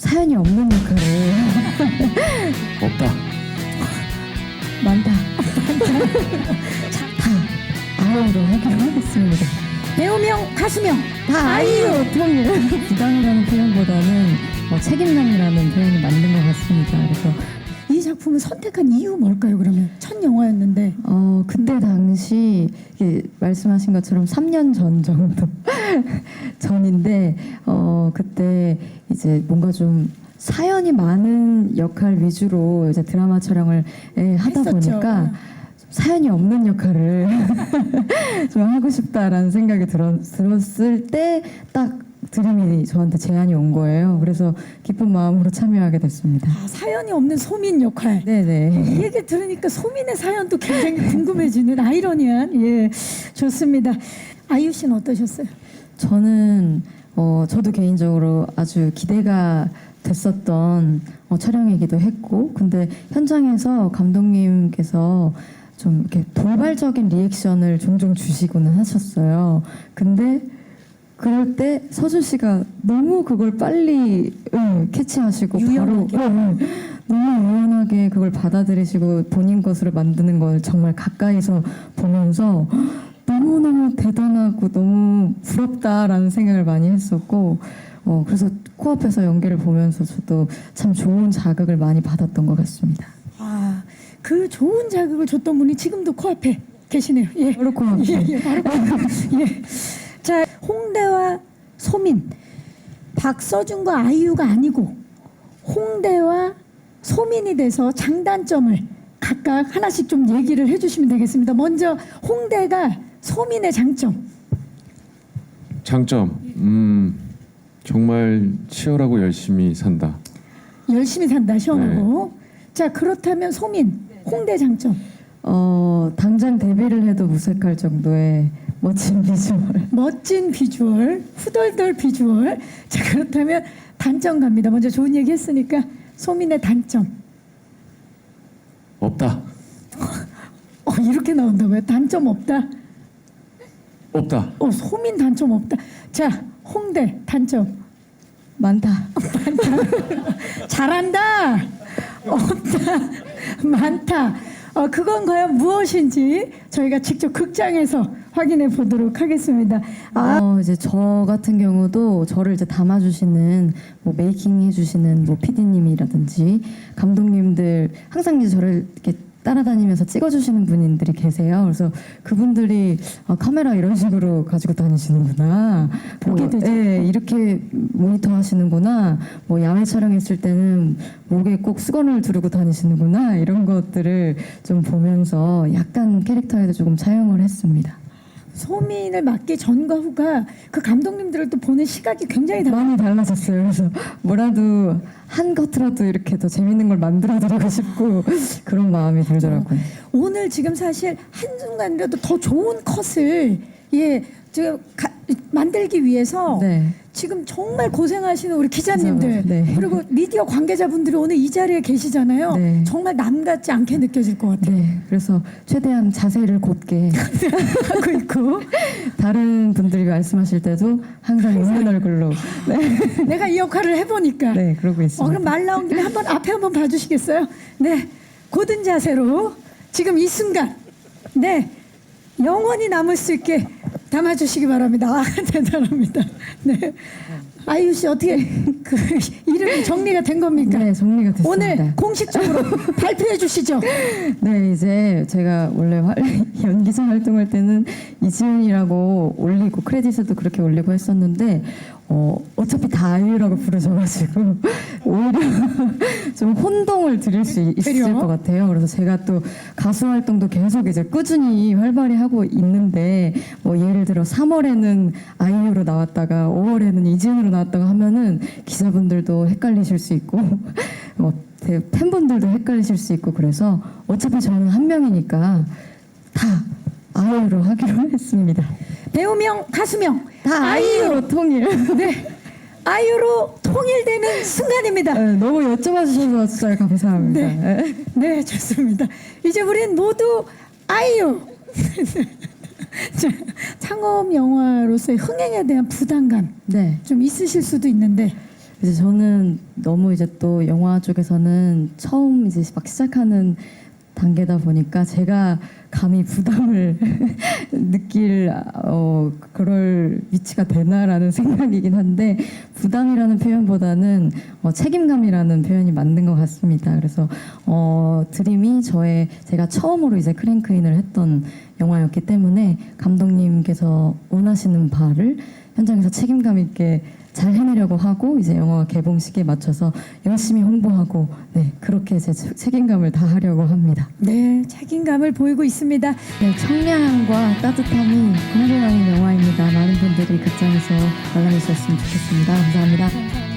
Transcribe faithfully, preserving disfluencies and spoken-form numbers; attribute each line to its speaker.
Speaker 1: 사연이 없는 역할을
Speaker 2: 없다.
Speaker 1: 많다. 다 아이유로 하기로 하겠습니다.
Speaker 3: 배우명, 가수명 다
Speaker 1: 아이유
Speaker 3: 아이유.
Speaker 1: 통일. 부담이라는 표현보다는 뭐 책임감이라는 표현이 맞는 것 같습니다. 그래서
Speaker 3: 이 작품을 선택한 이유 뭘까요? 그러면 첫 영화였는데.
Speaker 1: 어 그때 당시 이게 말씀하신 것처럼 삼 년 전 정도 전인데 어 그때 이제 뭔가 좀 사연이 많은 역할 위주로 이제 드라마 촬영을 예, 하다
Speaker 3: 했었죠.
Speaker 1: 보니까 사연이 없는 역할을 좀 하고 싶다라는 생각이 들었, 들었을 때 딱 드림이 저한테 제안이 온 거예요. 그래서 기쁜 마음으로 참여하게 됐습니다.
Speaker 3: 아, 사연이 없는 소민 역할.
Speaker 1: 네네.
Speaker 3: 이 얘기 들으니까 소민의 사연도 굉장히 궁금해지는 아이러니한, 예, 좋습니다. 아이유 씨는 어떠셨어요?
Speaker 1: 저는 어, 저도 개인적으로 아주 기대가 됐었던 어, 촬영이기도 했고, 근데 현장에서 감독님께서 좀 이렇게 돌발적인 리액션을 종종 주시고는 하셨어요. 근데 그럴 때 서준 씨가 너무 그걸 빨리 응, 캐치하시고
Speaker 3: 유연하게.
Speaker 1: 바로 응, 응, 너무 유연하게 그걸 받아들이시고 본인 것으로 만드는 걸 정말 가까이서 보면서 너무너무 대단하고 너무 부럽다라는 생각을 많이 했었고 어, 그래서 코앞에서 연기를 보면서 저도 참 좋은 자극을 많이 받았던 것 같습니다.
Speaker 3: 아, 그 좋은 자극을 줬던 분이 지금도 코앞에 계시네요. 예.
Speaker 1: 바로 코앞에.
Speaker 3: 예, 예, 바로 코앞에. 예. 자, 홍대와 소민, 박서준과 아이유가 아니고 홍대와 소민이 돼서 장단점을 각각 하나씩 좀 얘기를 해주시면 되겠습니다. 먼저 홍대가 소민의 장점.
Speaker 2: 장점. 음, 정말 치열하고 열심히 산다.
Speaker 3: 열심히 산다, 시원하고. 자, 그렇다면 소민, 홍대 장점.
Speaker 1: 어, 당장 데뷔를 해도 무색할 정도의 멋진 비주얼.
Speaker 3: 멋진 비주얼, 후덜덜 비주얼. 자, 그렇다면 단점 갑니다. 먼저 좋은 얘기 했으니까 소민의 단점.
Speaker 2: 없다.
Speaker 3: 어, 이렇게 나온다고요? 단점 없다?
Speaker 2: 없다.
Speaker 3: 어, 소민 단점 없다. 자, 홍대 단점.
Speaker 1: 많다.
Speaker 3: 잘한다. 없다. 많다. 어, 그건 과연 무엇인지 저희가 직접 극장에서 확인해 보도록 하겠습니다. 아,
Speaker 1: 어, 이제 저 같은 경우도 저를 이제 담아주시는 뭐 메이킹 해주시는 뭐 피디님이라든지 감독님들 항상 이제 저를 이렇게 따라다니면서 찍어주시는 분들이 계세요. 그래서 그분들이 아, 카메라 이런 식으로 가지고 다니시는구나.
Speaker 3: 보게
Speaker 1: 뭐,
Speaker 3: 되죠.
Speaker 1: 예, 이렇게 모니터 하시는구나. 뭐 야외 촬영했을 때는 목에 꼭 수건을 두르고 다니시는구나. 이런 것들을 좀 보면서 약간 캐릭터에도 조금 차용을 했습니다.
Speaker 3: 소민을 맡기 전과 후가 그 감독님들을 또 보는 시각이 굉장히 달라.
Speaker 1: 많이 달라졌어요. 그래서 뭐라도 한 것이라도 이렇게 더 재밌는 걸 만들어드리고 싶고 그런 마음이 들더라고요.
Speaker 3: 오늘 지금 사실 한순간이라도 더 좋은 컷을 예, 지금 가, 만들기 위해서
Speaker 1: 네.
Speaker 3: 지금 정말 고생하시는 우리 기자님들
Speaker 1: 네.
Speaker 3: 그리고 미디어 관계자분들이 오늘 이 자리에 계시잖아요.
Speaker 1: 네.
Speaker 3: 정말 남 같지 않게 느껴질 것 같아요.
Speaker 1: 네. 그래서 최대한 자세를 곧게
Speaker 3: 하고 있고
Speaker 1: 다른 분들이 말씀하실 때도 항상 웃는 얼굴로 네,
Speaker 3: 내가 이 역할을 해보니까
Speaker 1: 네 그러고
Speaker 3: 어,
Speaker 1: 있습니다.
Speaker 3: 그럼 말 나온 김에 한번 앞에 한번 봐주시겠어요? 네, 고든 자세로 지금 이 순간 네 영원히 남을 수 있게 담아주시기 바랍니다. 아, 대단합니다. 네, 아이유 씨 어떻게 그 이름이 정리가 된 겁니까?
Speaker 1: 네, 정리가 됐습니다.
Speaker 3: 오늘 공식적으로 발표해 주시죠.
Speaker 1: 네, 이제 제가 원래 활, 연기자 활동할 때는 이지은이라고 올리고 크레딧에도 그렇게 올리고 했었는데 어, 어차피 다 아이유라고 부르셔가지고 오히려 좀 혼동을 드릴 수 있- 있을
Speaker 3: 그래요?
Speaker 1: 것 같아요. 그래서 제가 또 가수 활동도 계속 이제 꾸준히 활발히 하고 있는데 뭐 예를 들어 삼월에는 아이유로 나왔다가 오월에는 이지은으로 나왔다가 하면은 기자분들도 헷갈리실 수 있고 뭐 대- 팬분들도 헷갈리실 수 있고 그래서 어차피 저는 한 명이니까 다 아이유로 하기로 했습니다.
Speaker 3: 배우명, 가수명
Speaker 1: 다 아이유로 통일.
Speaker 3: 네, 아이유로 통일되는 순간입니다.
Speaker 1: 네, 너무 여쭤봐 주셔서 진짜 감사합니다.
Speaker 3: 네. 네, 좋습니다. 이제 우린 모두 아이유. 자, 창업 영화로서의 흥행에 대한 부담감
Speaker 1: 네.
Speaker 3: 좀 있으실 수도 있는데
Speaker 1: 이제 저는 너무 이제 또 영화 쪽에서는 처음 이제 막 시작하는 단계다 보니까 제가 감히 부담을 느낄 어 그럴 위치가 되나라는 생각이긴 한데 부담이라는 표현보다는 어, 책임감이라는 표현이 맞는 것 같습니다. 그래서 어 드림이 저의 제가 처음으로 이제 크랭크인을 했던 영화였기 때문에 감독님께서 원하시는 바를 현장에서 책임감 있게 잘 해내려고 하고 이제 영화가 개봉 시기에 맞춰서 열심히 홍보하고 네 그렇게 제 책임감을 다하려고 합니다.
Speaker 3: 네, 책임감을 보이고 있습니다.
Speaker 1: 네, 청량함과 따뜻함이 공존하는 영화입니다. 많은 분들이 극장에서 관람해 주셨으면 좋겠습니다. 감사합니다.
Speaker 3: 감사합니다.